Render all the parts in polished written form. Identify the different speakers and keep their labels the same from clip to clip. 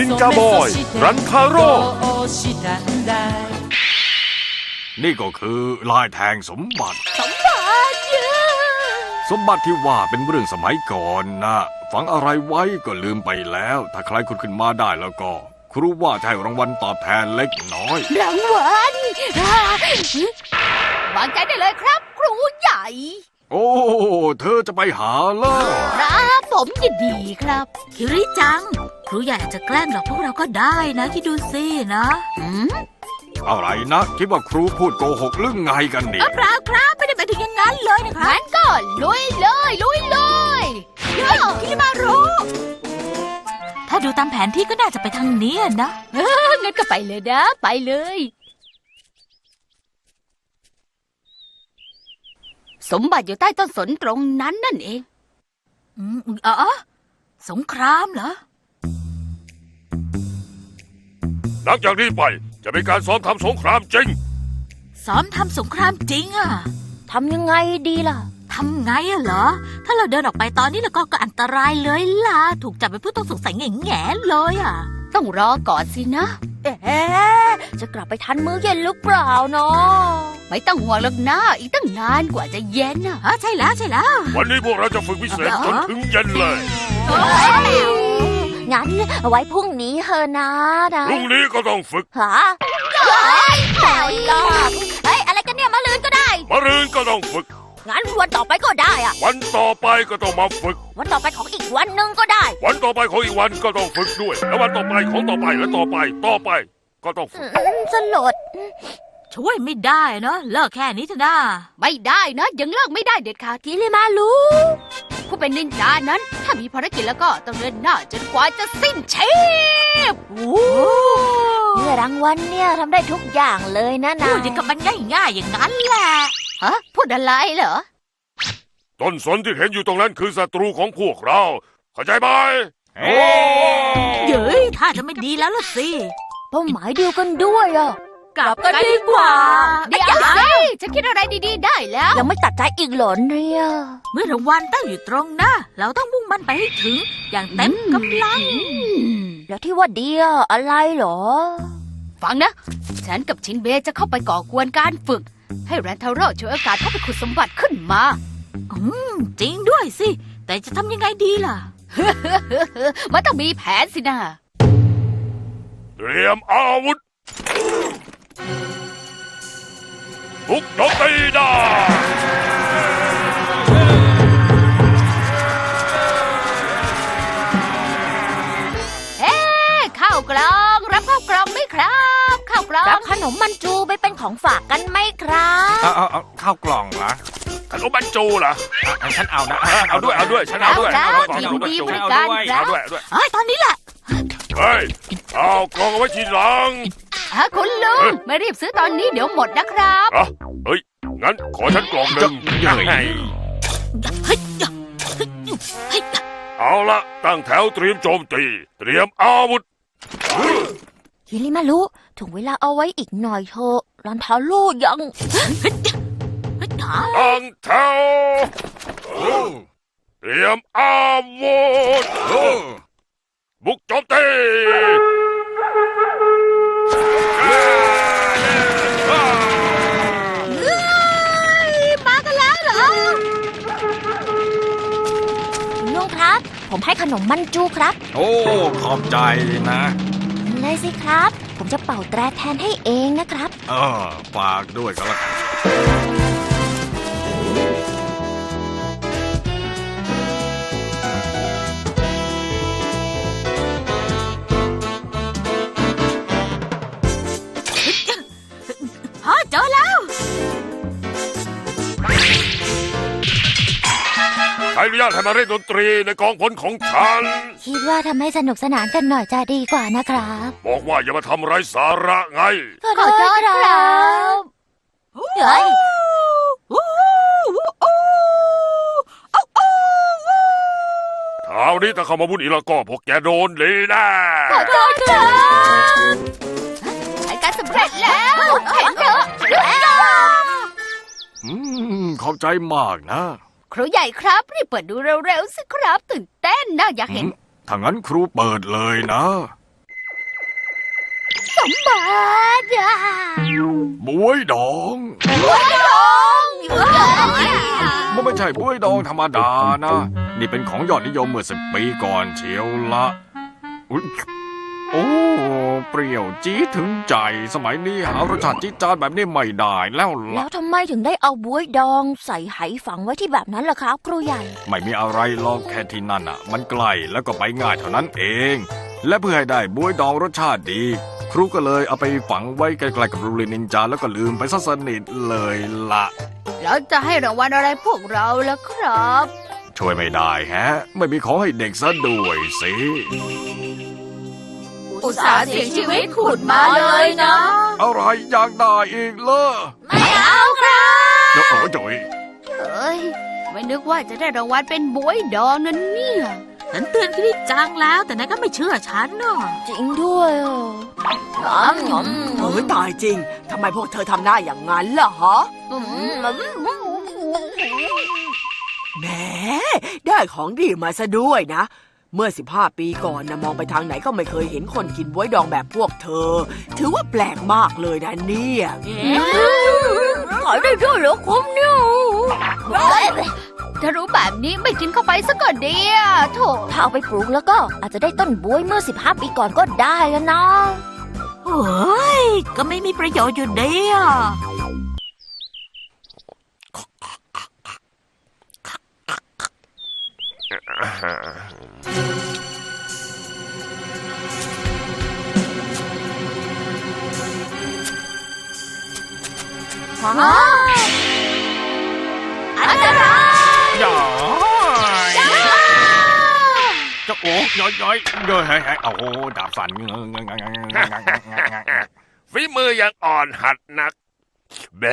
Speaker 1: นินจาบอยรันทาโร่นี่ก็คือลายแทงสมบัติสมบัติที่ว่าเป็นเรื่องสมัยก่อนนะฝังอะไรไว้ก็ลืมไปแล้วถ้าใครขุดขึ้นมาได้แล้วก็ครูว่าจะให้รางวัลตอบแทนเล็กน้อย
Speaker 2: รางวัลวางใจได้เลยครับครูใหญ่
Speaker 1: โอ้เธอจะไปหาเหรอ
Speaker 2: ครับผมยินดีครับ
Speaker 3: คิริจังครูใหญ่อาจจะแกล้งหลอกพวกเราก็ได้นะคิดดูสินะ
Speaker 1: อะไรนะคิดว่าครูพูดโกหกหรือไงกันเนี่ย
Speaker 3: เปล่าครับไม่ได้ไปถึงอย่างนั้นเลยนะครับ
Speaker 2: งั้นก็ลุยเลย
Speaker 3: คิริมารุถ้าดูตามแผนที่ก็น่าจะไปทางนี้นะ
Speaker 2: งั้นก็ไปเลยนะไปเลยสมบัติอยู่ใต้ต้นสนตรงนั้นนั่นเอง
Speaker 3: สงครามเหรอ
Speaker 1: หลังจากนี้ไปจะเป็นการซ้อมทำสงครามจริง
Speaker 3: ซ้อมทำสงครามจริงอะ
Speaker 2: ทำยังไงดีล่ะ
Speaker 3: ทำไงอะเหรอถ้าเราเดินออกไปตอนนี้แล้วก็อันตรายเลยล่ะถูกจับเป็นผู้ต้องสงสัยแง่ๆเลยอะ
Speaker 2: ต้องรอก่อนสินะจะกลับไปทันมื้อเย็นหรือเปล่าเนาะไม่ต้องห่วงหรอกนะอีกตั้งนานกว่าจะเย็นนะ
Speaker 3: ใช่แล้ว
Speaker 1: วันนี้พวกเราจะฝึกพิเศษจนถึงเย็นเลย
Speaker 2: งั้นไว้พรุ่งนี้เฮอะนะ
Speaker 1: พรุ่งนี้ก็ต้องฝึก
Speaker 2: ฮะอะไรกันเนี่ยมะรืนก็ได้
Speaker 1: มะรืนก็ต้องฝึก
Speaker 2: งั้นวันต่อไปก็ได้อะ
Speaker 1: วันต่อไปก็ต้องมาฝึก
Speaker 2: วันต่อไปของอีกวันหนึ่งก็ได้
Speaker 1: วันต่อไปของอีกวันก็ต้องฝึกด้วยแล้ววันต่อไปของต่อไปและต่อไปก็ต้องฝึก
Speaker 2: สลด
Speaker 3: ช่วยไม่ได้เนาะเลิกแค่นี้เถอะนะ
Speaker 2: ไม่ได้นะยังเลิกไม่ได้เด็ดขาดทีเลยมาลูผู้เป็นนินจานั้นถ้ามีภารกิจแล้วก็ต้องเดินหน้าจนกว่าจะสิ้นชีพเมื่อรางวัลเนี่ยทำได้ทุกอย่างเลยนะ
Speaker 3: พูดอย่างกับมันง่ายๆอย่างนั้นแหละ
Speaker 2: ฮะพูดอะไรเหรอ
Speaker 1: ต้นสนที่เห็นอยู่ตรงนั้นคือศัตรูของพวกเราเข้าใจไหม
Speaker 3: เย้ยถ้าจะไม่ดีแล้วล่ะสิ
Speaker 2: เป้าหมายเดียวกันด้วยอ่ะ
Speaker 3: กลับกันดีกว่า
Speaker 2: เดี๋ยวสิจะคิดอะไรดีๆได้แล้วยังไม่ตัดใจอีกหรอเนี่ย
Speaker 3: เมื่อรางวัลตั้งอยู่ตรงหน้าเราต้องมุ่งมั่นไปให้ถึงอย่างเต็มกำลัง
Speaker 2: แล้วที่ว่าดีอะไรหรอฟังนะฉันกับชินเบจะเข้าไปก่อกวนการฝึกให้แรนทาโร่ช่วยโอกาสเข้าไปขุดสมบัติขึ้นมา
Speaker 3: จริงด้วยสิแต่จะทำยังไงดีล่ะ
Speaker 2: มันต้องมีแผนสินะ
Speaker 1: เตรียมอาวุธบุกโจมตีได้
Speaker 2: ข้าวกล่องรับข้าวกล่องไหมครับข้าวกล่องรับขนมมันจูไปเป็นของฝากกันไหมครับ
Speaker 4: เอาข้าวกล่องเหรอ
Speaker 1: ขนมมันจูเหรอ
Speaker 4: ฉันเอานะ
Speaker 1: เอาด้วยฉันเอาด้วย
Speaker 2: ยินดีบริการครับ
Speaker 3: ตอนนี้แหละ
Speaker 1: เฮ้ยเอากล่องเอาไว้ทีหลัง
Speaker 2: คุณลุงไม่รีบซื้อตอนนี้เดี๋ยวหมดนะครับ
Speaker 1: เฮ้ยงั้นขอฉันกล่องหนึ่งเอาละตั้งแถวเตรียมโจมตีเตรียมอาวุธ
Speaker 2: ฮิริมารุถึงเวลาเอาไว้อีกหน่อยเถอะรันทาโร่ยัง
Speaker 1: ตั้งแถวเตรียมอาวุธบุกโจมตี
Speaker 2: มากันแล้วเหรอลุงครับผมให้ขนมมันจูครับ
Speaker 4: โอ้ขอบใจนะ
Speaker 2: เลยสิครับผมจะเป่าแตรแทนให้เองนะครับ
Speaker 4: ฝากด้วยก็แล้วกัน
Speaker 3: เจอแล้ว
Speaker 1: ใครอนุญาตให้มาเล่นดนตรีในกองพลของฉัน
Speaker 2: คิดว่าทำให้สนุกสนานกันหน่อยจะดีกว่านะครับ
Speaker 1: บอกว่าอย่ามาทำไร้สาระไง
Speaker 2: ขอโทษครับเฮ้ย
Speaker 1: คราวนี้ถ้าเข้ามาวุ่นอีกแล้วก็พวกแกโดนเลยนะ
Speaker 2: ขอโทษครับการสำเร็จแล้วเห็นเถอะ
Speaker 1: ขอบใจมากนะ
Speaker 2: ครูใหญ่ครับรีบเปิดดูเร็วๆสิครับตื่นเต้นนะอยากเห็น
Speaker 1: ถ้างั้นครูเปิดเลยนะ
Speaker 2: มบัติอะ
Speaker 1: บวยดอง มันไม่ใช่บวยดองธรรมดานะ นี่เป็นของยอดนิยมเมื่อ10 ปีก่อนเชียวละอุ๊ยโอ้เปรี้ยวจี๊ดถึงใจสมัยนี้หารสชาติจี๊ดจ๊าดแบบนี้ไม่ได้แล้ว
Speaker 5: แล้
Speaker 1: ล่ะ
Speaker 5: วทำไมถึงได้เอาบ๊วยดองใส่ไหฝังไว้ที่แบบนั้นล่ะครับครูใหญ่
Speaker 1: ไม่มีอะไรหรอกแค่ที่นั่นอ่ะ มันไกลแล้วก็ไปง่ายเท่านั้นเอง และเพื่อให้ได้บวยดองรสชาติดี ครูก็เลยเอาไปฝังไว้ใกล้ๆกับโรงเรียนนินจาแล้วก็ลืมไปซะสนิทเลยล่ะ
Speaker 2: แล้วจะให้รางวัลอะไรพวกเราล่ะครับ
Speaker 1: ช่วยไม่ได้แฮะ ไม่มีของให้เด็กซะด้วยสิ
Speaker 2: อุตส่าห์เสี่ยงชีวิตขุดมาเลยนะ
Speaker 1: อะไรอยากได้อีกเลย
Speaker 2: ไม่เอาครับ
Speaker 1: เดี๋ยวจ่อย
Speaker 2: เฮ้ยไม่นึกว่าจะได้รางวัลเป็นบวยดองนั่นเนี่ย
Speaker 3: ฉันเตือนพี่จังแล้วแต่นายก็ไม่เชื่อฉันเนาะ
Speaker 5: จริงด้วยอ่ะงอม
Speaker 6: โอ้ยตายจริง ทำไมพวกเธอทำหน้าอย่างนั้นล่ะฮะแหมได้ของดีมาซะด้วยนะ เมื่อ15 ปีก่อนนะมองไปทางไหนก็ไม่เคยเห็นคนกินบ๊วยดองแบบพวกเธอ ถือว่าแปลกมากเลยนะเนี่ย
Speaker 5: ขายได้ด้วยเหรอคุ้มเนี่ย
Speaker 2: ถ้ารู้แบบนี้ไม่กินเข้าไปซะก่อนดีอะโถ
Speaker 5: ถ้าเอาไปปลูกแล้วก็อาจจะได้ต้นบ๊วยเมื่อ15 ปีก่อนก็ได้แล้วนะ
Speaker 3: โอ้ยก็ไม่มีประโยชน์อยู่ดีอ่ะ
Speaker 2: อันตราย
Speaker 4: ย่อยจะโอ้ย้อยเฮ้ยโอ้โหดาบสั่น
Speaker 7: ฝีมือยังอ่อนหัดนักเบ้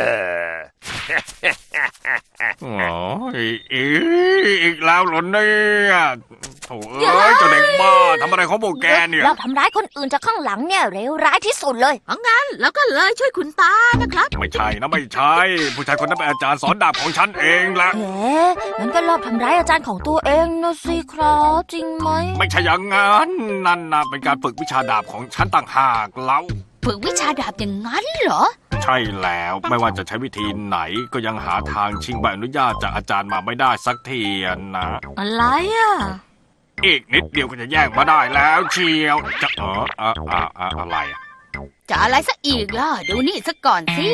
Speaker 1: โอ้ยอีกแล้วเหรอเนี่ยโถ่เอ้ยเจ้าเด็กบ้าทำอะไรของพวกแกเนี่ย
Speaker 5: เราทำร้ายคนอื่นจากข้างหลังเนี่ยเลวร้ายที่สุดเลย
Speaker 3: แล้วก็เลยช่วยคุณตานะครับ
Speaker 1: ไม่ใช่นะไม่ใช่ ผู้ชายคนนั้นเป็นอาจารย์สอนดาบของฉันเองละ
Speaker 5: เอ๊ะงั้นก็รอบทำร้ายอาจารย์ของตัวเองนะสิครับจริงไหม
Speaker 1: ไม่ใช่อย่างนั้นนั่นนะเป็นการฝึกวิชาดาบของฉันต่างหากเล่า
Speaker 2: ฝึกวิชาดาบอย่างนั้นเหรอ
Speaker 1: ใช่แล้วไม่ว่าจะใช้วิธีไหนก็ยังหาทางชิงใบอนุญาตจากอาจารย์มาไม่ได้สักทีนะ
Speaker 3: อะไรอ่ะ
Speaker 1: อีกนิดเดียวก็จะแย่งมาได้แล้วเชียวจะอะไรอะ
Speaker 2: จะอะไรซะอีกล่ะ ดูนี่ซะก่อนสิ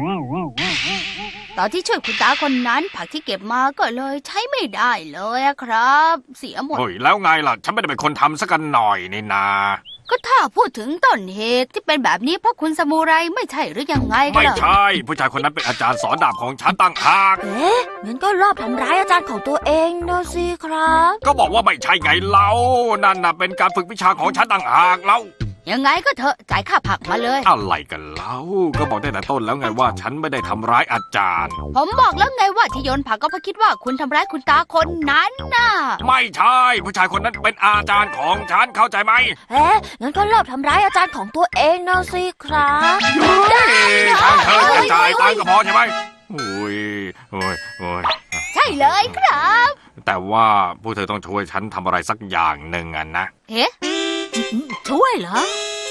Speaker 2: ตอนที่ช่วยคุณตาคนนั้นผักที่เก็บมาก็เลยใช้ไม่ได้เลยอะครับ เสียหมด
Speaker 1: เฮ้ยแล้วไงล่ะ ฉันไม่ได้เป็นคนทำสักกันหน่อยนี่นา
Speaker 2: ก็ถ้าพูดถึงต้นเหตุที่เป็นแบบนี้เพราะคุณสมุไรไม่ใช่หรือยังไงกัน
Speaker 1: ไม่
Speaker 2: ล่ะ
Speaker 1: ใช่ ผู้ชายคนนั้นเป็นอาจารย์สอนดาบของฉันต่างหาก
Speaker 5: เอ๊ะงั้นก็รอบทำร้ายอาจารย์ของตัวเองนะสิครับ
Speaker 1: ก็บอกว่าไม่ใช่ไงเล่านั่นน่ะเป็นการฝึกวิชาของฉันต่างหากเล่า
Speaker 2: ยังไงก็เถอะจ่ายค่าผักมาเลย
Speaker 1: อะไรกันเล่าก็บอกตั้งแต่ต้นแล้วไงว่าฉันไม่ได้ทำร้ายอาจารย์
Speaker 2: ผมบอกแล้วไงว่าที่โยนผักก็เพราะคิดว่าคุณทำร้ายคุณตาคนนั้นน่ะ
Speaker 1: ไม่ใช่ ผู้ชายคนนั้นเป็นอาจารย์ของฉันเข้าใจไหม
Speaker 5: เอ๊ะงั้นก็รอบทำร้ายอาจารย์ของตัวเองนะสิครับ
Speaker 1: ทางเธอจะจ่ายตังค์ก็พอใช่ไหมโอ้ย
Speaker 2: ใช่เลยครับ
Speaker 1: แต่ว่าพวกเธอต้องช่วยฉันทำอะไรสักอย่างหนึ่งอะนะ
Speaker 2: เอ๊ะ
Speaker 3: ช่วยเหรอ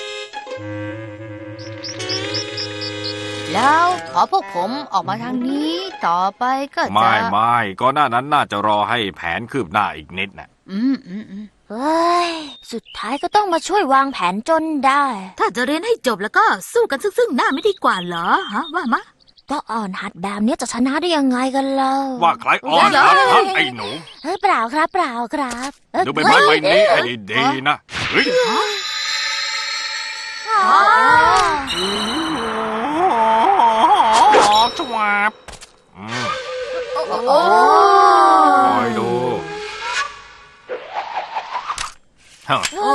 Speaker 2: แล้วขอพวกผมออกมาทางนี้ต่อไปก็จะ
Speaker 1: ไม่ก็หน้านั้นน่าจะรอให้แผนคืบหน้าอีกนิดน่ะ
Speaker 2: อืม
Speaker 5: เฮ้ย สุดท้ายก็ต้องมาช่วยวางแผนจนได้
Speaker 3: ถ้าจะเรียนให้จบแล้วก็สู้กันซึ่งหน้าไม่ดีกว่าเหรอฮะว่ามะ
Speaker 5: ก็อ่อนหัดแบบนี้จะชนะได้ยังไงกันเล่า
Speaker 1: ว่าใครอ่อนหัดครับไอ้หนู
Speaker 5: เฮ้ยเปล่าครับเปล่าครับเอ้ย
Speaker 1: ดูใบไม้ใบนี้ให้ดีๆนะเฮ้ย
Speaker 5: อ๋อ
Speaker 1: ชวาบ
Speaker 5: โอ้
Speaker 1: คอยดูฮะ
Speaker 5: โอ้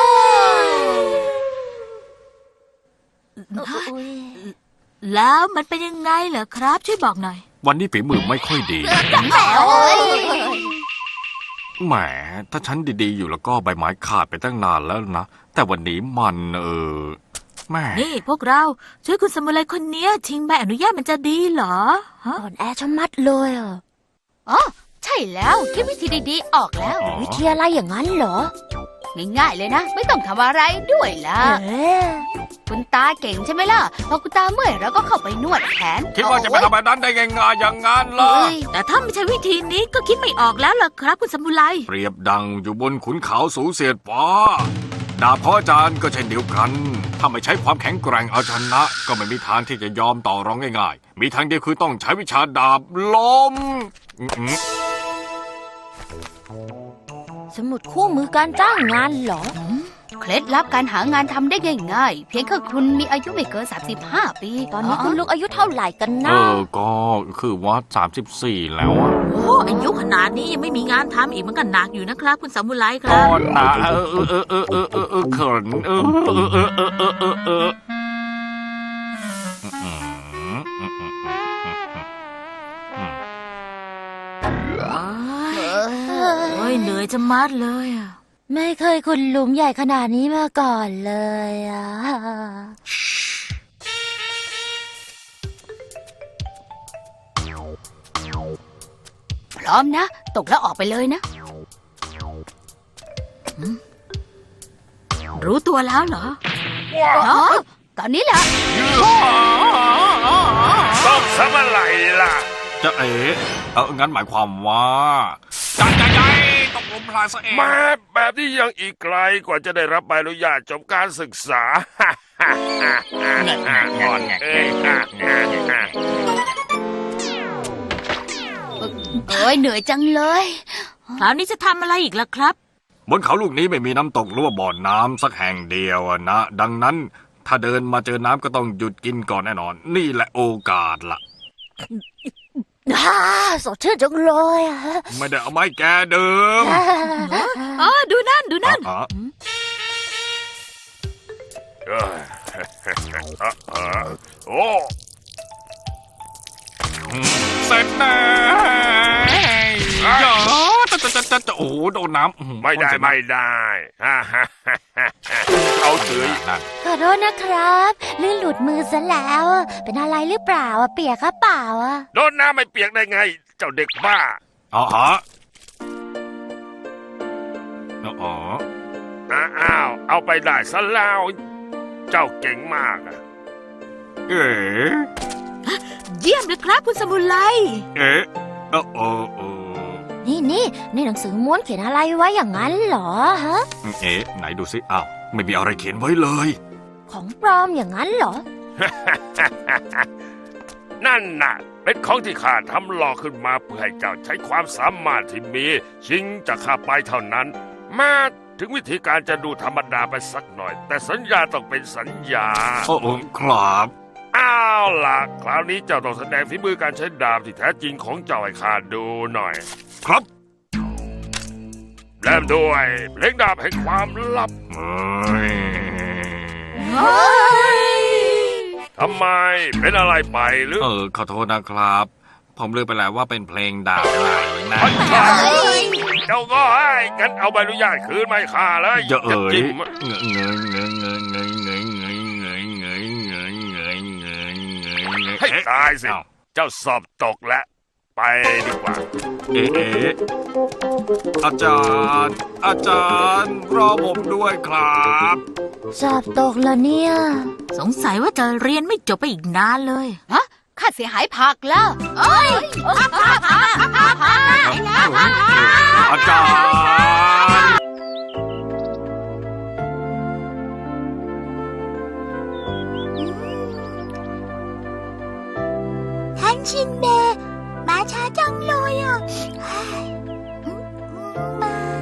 Speaker 5: ย
Speaker 3: แล้วมันเป็นยังไงเหรอครับ ช่วยบอกหน่อย
Speaker 1: วันนี้ฝีมือไม่ค่อยดี
Speaker 5: โอ้ย
Speaker 1: แหมถ้าฉันดีๆอยู่แล้วก็ใบไม้ขาดไปตั้งนานแล้วนะ แต่วันนี้มันแม่
Speaker 3: นี่พวกเราช่วยคุณสมุไรคนเนี้ยชิงใบอนุญาตมันจะดีเหรอฮะ
Speaker 5: อ่อนแอชะมัดเลยอ่ะ
Speaker 2: อ๋อใช่แล้วคิดวิธีดีๆออกแล้ว
Speaker 1: อ๋อ
Speaker 5: วิธีอะไรอย่างนั้นเหรอ
Speaker 2: ง่ายๆเลยนะ ไม่ต้องทำอะไรด้วยล่ะ
Speaker 5: เอ๊ะ
Speaker 2: คุณตาเก่งใช่ไหมล่ะ พอคุณตาเมื่อยเราก็เข้าไปนวดแขน
Speaker 1: คิดว่าจะไปทำแบบนั้นได้ง่ายๆอย่างนั้นเหรอ
Speaker 2: เอ้ย
Speaker 3: แต่ถ้าไม่ใช่วิธีนี้ก็คิดไม่ออกแล้วล่ะครับคุณสมุไร
Speaker 1: เปรียบดังอยู่บนขุนเขาสูงเสียดฟ้า ดาบของอาจารย์ก็เช่นเดียวกัน ถ้าไม่ใช้ความแข็งแกร่งเอาชนะ ก็ไม่มีทางที่จะยอมต่อรองง่ายๆ มีทางเดียวคือต้องใช้วิชาดาบล้ม
Speaker 5: สมุดคู่มือการจ้างงานเหรอ
Speaker 2: เคล็ดลับการหางานทำได้ง่ายๆ เพียงแค่คุณมีอายุไม่เกิน 35 ปี
Speaker 5: ตอนนี้คุณลุงอายุเท่าไหร่กันนะ
Speaker 1: ก็คือว่า34แล้วอะ
Speaker 3: โอ้อายุขนาดนี้ยังไม่มีงานทำอีกมันก็หนักอยู่นะครับ คุณสมุไรค
Speaker 1: ก่
Speaker 3: รั
Speaker 1: อบ นนะเขิน
Speaker 3: โอ้ยเหนื่อยจะมัดเลยอะ
Speaker 5: ไม่เคยคุณลุงใหญ่ขนาดนี้มาก่อนเลยอ่ะ
Speaker 2: พร้อมนะ ตกแล้วออกไปเลยนะ
Speaker 3: รู้ตัวแล้วเหรอ
Speaker 2: ตอนนี้แหละ
Speaker 7: ต้องทำอะไรล่ะ
Speaker 1: จะงั้นหมายความว่าใจตกลมพลายซะเอง
Speaker 7: มาแบบนี้ยังอีกไกลกว่าจะได้รับใบอนุญาตจบการศึกษา
Speaker 4: งอนแงะ
Speaker 2: เอ้ยเหนื่อยจังเลย
Speaker 3: คราวนี้จะทำอะไรอีกล่ะครับ
Speaker 1: บนเขาลูกนี้ไม่มีน้ำตกหรือว่าบ่อน้ำสักแห่งเดียวอะนะ ดังนั้นถ้าเดินมาเจอน้ำก็ต้องหยุดกินก่อนแน่นอน นี่แหละโอกาสล่ะ
Speaker 5: สดชื่นจังเลยอ่ะ
Speaker 1: ไม่ได้เอาไม้แกเดิม
Speaker 3: อ๋อ ดูนั่น ดูนั่น
Speaker 1: อ๋อ
Speaker 7: โอ้
Speaker 1: เสร็จแน่จะโอ้โหโดนน้ำ
Speaker 7: ไม่ได้ไม่ได้ เอาเถอะ
Speaker 1: นั่น
Speaker 5: ขอโทษนะครับลื่นหลุดมือซะแล้ว เป็นอะไรหรือเปล่าอ่ะเปียกครับเปล่าอ่ะ
Speaker 7: โดนน้ำไม่เปียกได้ไง เจ้าเด็กบ้า
Speaker 1: อ๋ออ๋อ
Speaker 7: อ้าว เอาไปได้ซะแล้ว เจ้าเก่งมากอะ
Speaker 1: เอ๋
Speaker 3: เยี่ยมเลยครับคุณสมุไร
Speaker 1: เอ๋
Speaker 5: นี่ในหนังสือม้วนเขียนอะไรไว้อย่างนั้นเหรอฮะ
Speaker 1: เอ๋ไหนดูสิอ้าวไม่มีอะไรเขียนไว้เลย
Speaker 5: ของปลอมอย่างนั้นเหรอ
Speaker 7: นั่นน่ะ เป็นของที่ข้าทำหลอกขึ้นมาเพื่อให้เจ้าใช้ความสามารถที่มี ชิงจากข้าไปเท่านั้น มาถึงวิธีการจะดูธรรมดาไปสักหน่อย แต่สัญญาต้องเป็นสัญญา
Speaker 1: โอ้ครับ
Speaker 7: อ้าวล่ะ คราวนี้เจ้าต้องแสดงฝีมือการใช้ดาบที่แท้จริงของเจ้าให้ข้าดูหน่อย
Speaker 1: ครับ
Speaker 7: เริ่มด้วยเพลงดาบแห่งความลับ ทำไมเป็นอะไรไปหรือ
Speaker 1: ขอโทษนะครับ ผมลืมไปแล้วว่าเป็นเพลงดาบไหนนะ
Speaker 7: เจ้าก็ให้กันเอาใบอนุญาตคืนมาให้ข้าเลย
Speaker 1: อย่าเอ่ย
Speaker 7: จิ้ม ให้ตายสิ เจ้าสอบตกแล้ว ไปดีกว่า
Speaker 1: อาจารย์ รอผมด้วยครับ
Speaker 5: สอบตกแล้วเนี่ย
Speaker 3: สงสัยว่าจะเรียนไม่จบไปอีกนานเลย
Speaker 2: ค่าเสียหายผักแล้ว
Speaker 1: อาจารย์
Speaker 5: ท่านชินเบะมาช้าจังเลยอ่ะมา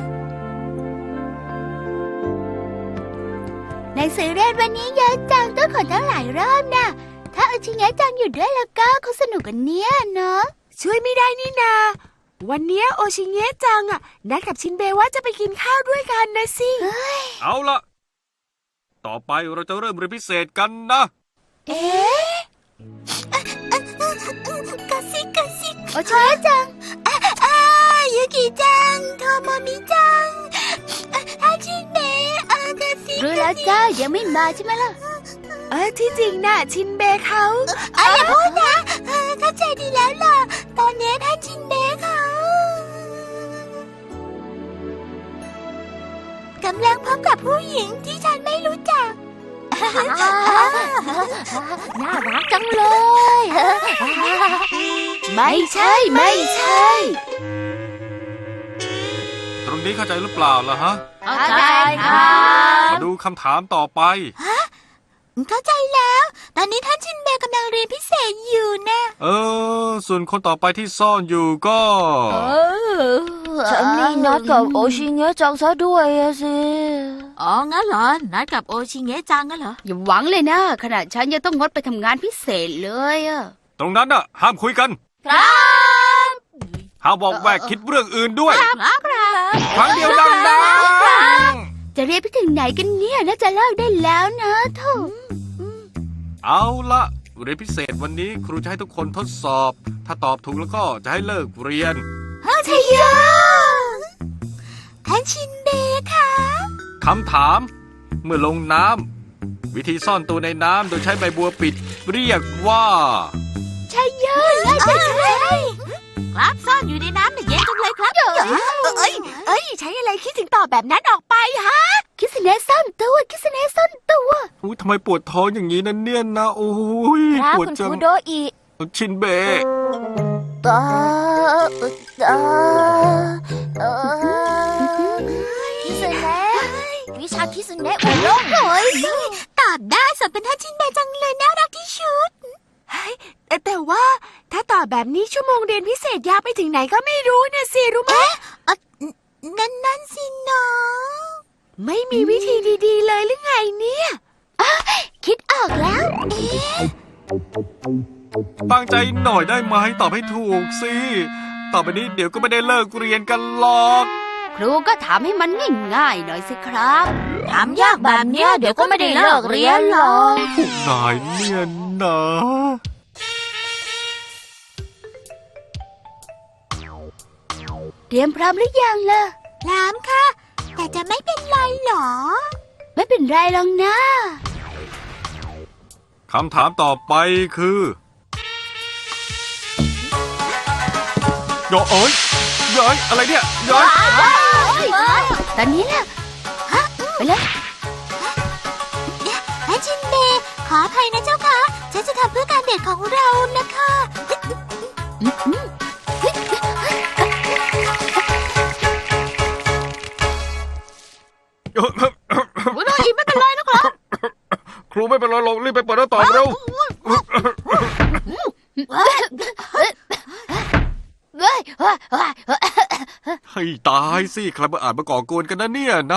Speaker 2: ในสื่อเรียนวันนี้เยอะจังต้องขอตั้งหลายรอบนะถ้าเอาชิงยะจังอยู่ด้วยแล้วก็เขาสนุกกันเนี้ยเนาะ
Speaker 6: ช่วยไม่ได้นี่นา วันเนี้ยโอชิเงะจังอะนัดกับชินเบะว่าจะไปกินข้าวด้วยกันนะสิ
Speaker 1: เอาละต่อไปเราจะเริ่มเรียนพิเศษกันนะ
Speaker 2: เอ๊ะกระซิกโอชิเงะจังยูกิจังโทโมมิจังอาชิเบะกระซิรู้แล้วจ้ายังไม่มาใช่ไหมล่ะ
Speaker 6: ที่จริงน่ะชินเบะเขา
Speaker 2: อย่าพูดนะเข้าใจดีแล้วล่ะตอนนี้ท่านชินเบะเขากำลังพบกับผู้หญิงที่ฉันไม่รู้จัก
Speaker 5: น่ารักจังเลย
Speaker 2: ไม่ใช่ไม่ใช่
Speaker 1: ตรงนี้เข้าใจหรือเปล่าล่ะฮะ
Speaker 2: เข้าใจครับ
Speaker 1: มาดูคำถามต่อไป
Speaker 3: เข้าใจแล้ว ตอนนี้ท่านชินเบกำลังเรียนพิเศษอยู่นะ
Speaker 1: ส่วนคนต่อไปที่ซ่อนอยู่ก็
Speaker 5: ฉันนี่นัดกับโอชิเงะจังซะด้วยอะสิ
Speaker 3: อ๋อ งั้นเหรอ นัดกับโอชิเงะจังงั้นเหรอ
Speaker 2: อย่าหวังเลยนะขนาดฉันยังต้องงดไปทำงานพิเศษเลยอะ
Speaker 1: ตรงนั้นน่ะ ห้ามคุยกัน
Speaker 2: ครับ
Speaker 1: ห้ามบอกแวกคิดเรื่องอื่นด้วย
Speaker 3: ครับ
Speaker 1: ครั้งเดียวดัง
Speaker 2: จะเรียนไปถึงไหนกันเนี่ยน่าจะเลิกได้แล้วนะเท่า
Speaker 1: ๆเอาละเรียนพิเศษวันนี้ครูจะให้ทุกคนทดสอบ ถ้าตอบถูกแล้วก็จะให้เลิกเรียน
Speaker 3: ใช่ยอท่านชินเบค่ะ
Speaker 1: คำถาม เมื่อลงน้ำวิธีซ่อนตัวในน้ำโดยใช้ใบบัวปิด เรียกว่า
Speaker 3: ใช่ครับซ่อนอยู่ในน้ำเนี่ยเย็นจังเลยครับใช้อะไรคิดถึงตอบแบบนั้นออกไปฮะ
Speaker 2: คิสเนสซ่อนตัวคิสเนสซ่อนตัว
Speaker 1: อุ๊ยทำไมปวดท้องอย่างนี้นั่นเนี่ยนะ โอ้ย
Speaker 5: ครับ
Speaker 1: ปวด
Speaker 5: คุณ
Speaker 1: จั
Speaker 5: ค
Speaker 1: ง
Speaker 5: รูโดอิ
Speaker 1: ชินเบะ
Speaker 5: คิสเนะวิชาคิสเนะอุดม
Speaker 3: ตอบได้สมเป็นท่านชินเบจังเลยน่ารักที่สุดแต่ว่าถ้าตอบแบบนี้ชั่วโมงเรียนพิเศษยาวไปถึงไหนก็ไม่รู้นะสิรู้ไหมนั่นสิน้องไม่มีวิธีดีๆเลยหรือไงเนี่ยคิดออกแล้ว
Speaker 1: ตั้งใจหน่อยได้ไหมตอบให้ถูกสิต่อไปนี้เดี๋ยวก็ไม่ได้เลิกเรียนกันหรอก
Speaker 2: ครูก็ถามให้มันง่ายๆหน่อยสิครับ
Speaker 3: ถามยากแบบเนี้ยเดี๋ยวก็ไม่ได้เลิกเรียนหรอก
Speaker 1: พวกนายเนี่ยนะ
Speaker 2: เตรียมพร้อมหรือยังล่ะ
Speaker 3: น้ำค่ะ แต่จะไม่เป็นไรหรอ
Speaker 2: ไม่เป็นไรหรอกนะ
Speaker 1: คำถามต่อไปคือเอ้ยอะไรเนี่ยเย้ย
Speaker 2: ตอนนี้ล่ะไปเลย
Speaker 3: ท่านชินเบขออภัยนะเจ้าค่ะ ฉันจะทำเพื่อการเดทของเรานะคะ
Speaker 2: คุณโดอิไม่เป็นไรนะครับ
Speaker 1: ครูไม่เป็นไรหรอกรีบไปเปิดหน้าต่างเร็ว ให้ตายสิใครมาอ่านมาก่อกวนกันนะเนี่ยนะ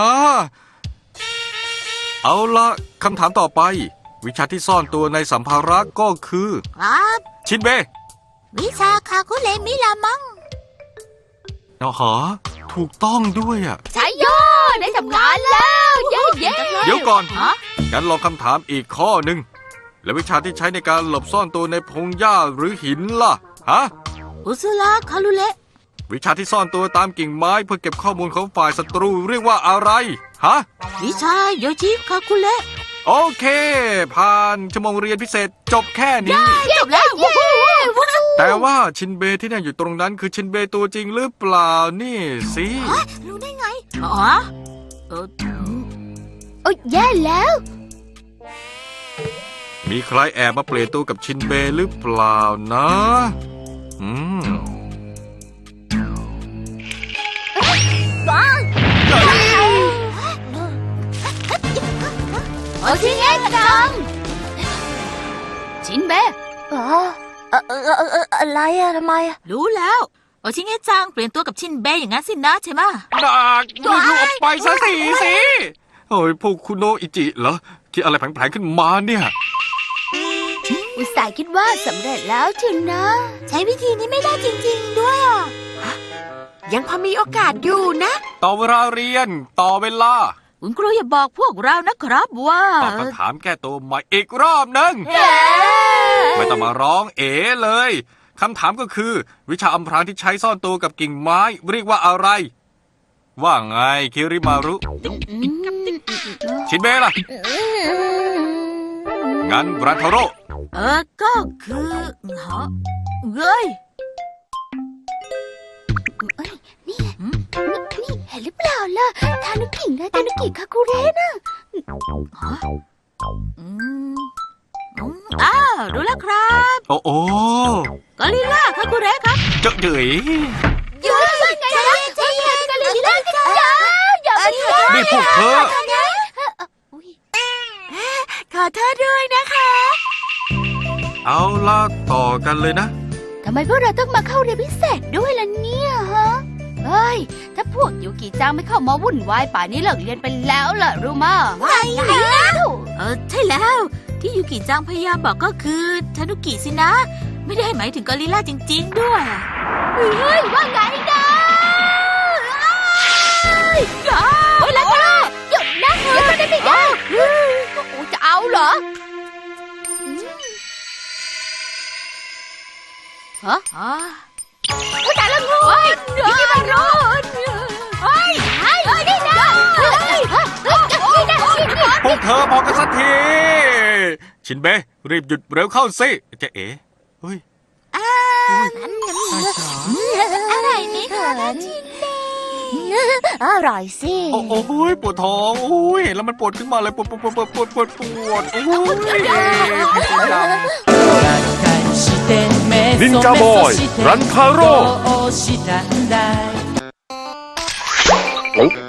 Speaker 1: เอาละคำถามต่อไป วิชาที่ซ่อนตัวในสัมภาระก็คือ
Speaker 3: ครับ
Speaker 1: ชินเบะ
Speaker 3: วิชาคาคุเลมิลามัง
Speaker 1: หาถูกต้องด้วยอ่ะ
Speaker 2: ใช่ย่อได้ทำงานแล้วเย้เย้
Speaker 1: เดี๋ยวก่อน
Speaker 3: ฮะ
Speaker 1: งั้นลองคำถามอีกข้อหนึ่ง แล้ววิชาที่ใช้ในการหลบซ่อนตัวในพงหญ้าหรือหินล่ะ ฮะ
Speaker 3: อุซุระคารุเละ
Speaker 1: วิชาที่ซ่อนตัวตามกิ่งไม้เพื่อเก็บข้อมูลของฝ่ายศัตรูเรียกว่าอะไร ฮะ
Speaker 3: วิชาโยชิคาคุเละ
Speaker 1: โอเค ผ่านชั่วโมงเรียนพิเศษจบแค่นี้
Speaker 2: จบแล้ว
Speaker 1: แต่ว่าชินเบที่นั่งอยู่ตรงนั้นคือชินเบตัวจริงหรือเปล่านี่สิ
Speaker 3: รู้ได้ไง อ๋อ
Speaker 2: โอ้ยแย่แล้ว
Speaker 1: มีใครแอบมาเปลี่ยนตัวกับชินเบหรือเปล่านะม
Speaker 2: โอชิเงะจัง ชินเบะ
Speaker 5: อะไรอะทำไมอะ
Speaker 3: รู้แล้วโอชิเงะจังเปลี่ยนตัวกับชินเบอย่างนั้นสินะใช่ไหมะ
Speaker 1: หนักรีบออกไปซะสิเฮ้ยพวกคุณโนอิจิเหรอที่อะไรแผลงๆขึ้นมาเนี่ย
Speaker 2: อุตส่าห์คิดว่าสำเร็จแล้วถึงนะ
Speaker 3: ใช้วิธีนี้ไม่ได้จริงๆด้วยอ่ะ ยังพอมีโอกาสอยู่นะ
Speaker 1: ต่อเวลาเรียนต่อเวลา
Speaker 3: คุณครูอย่าบอกพวกเรานะครับว่า
Speaker 1: ตอบคำถามแก้ตัวใหม่อีกรอบหนึง ไม่ต้องมาร้องเอ๋เลยคำถามก็คือ วิชาอำพรางที่ใช้ซ่อนตัวกับกิ่งไม้เรียกว่าอะไร ว่าไงคิริมารุ ชินเบะล่ะ งั้นรันทาโร่
Speaker 3: ก็คือฮะเฮ้ย
Speaker 2: นี่เห็นหรือเปล่าล่ะทานุกินะทานุกิคาคุเระนะ
Speaker 3: อ้าวรู้แล้วครับ
Speaker 1: โอ้โอ้
Speaker 3: กอริลลาคาคุเระครับ
Speaker 1: เจ๋อเจ๋ย
Speaker 3: เยอะไงใจเย็นกอริลลากันจ้าอย่าไป
Speaker 1: นี่พวกเธอ
Speaker 3: ขอโทษด้วยนะคะ
Speaker 1: เอาล่ะต่อกันเลยนะ
Speaker 2: ทำไมพวกเราต้องมาเข้าเรียนพิเศษด้วยล่ะเนี่ยฮะ เฮ้ย ถ้าพวกยูกิจังไม่เข้ามาวุ่นวายป่านนี้เลิกเรียนไปแล้วล่ะรู้มา
Speaker 3: ใช่แล้ว ที่ยูกิจังพยายามบอกก็คือทานุกิสินะ ไม่ได้หมายถึงกอริลลาจริงๆด้วย
Speaker 2: เฮ้ย ว่าไงนะเฮ้ยแล้วก็หยุดนะเดี๋ยวมันได้ไม่ได้โอ้จะเอาเหรอฮะผู้ชายละงูเดี๋ยวมันร้อนเฮ้ยนี่นะนี่นะ
Speaker 1: พวกเธอพอกันสักที ชินเบะรีบหยุดเร็วเข้าสิเจ๊เอ๋เฮ้ย
Speaker 3: อะไรนี่คะ
Speaker 5: อร่อยสิ
Speaker 1: โอ้โหปวดท้องโอ้ยเห็นแล้วมันปวดขึ้นมาเลยปวดโอ้ย
Speaker 7: นินจาบอยรันทาโร่
Speaker 8: どうしたんだい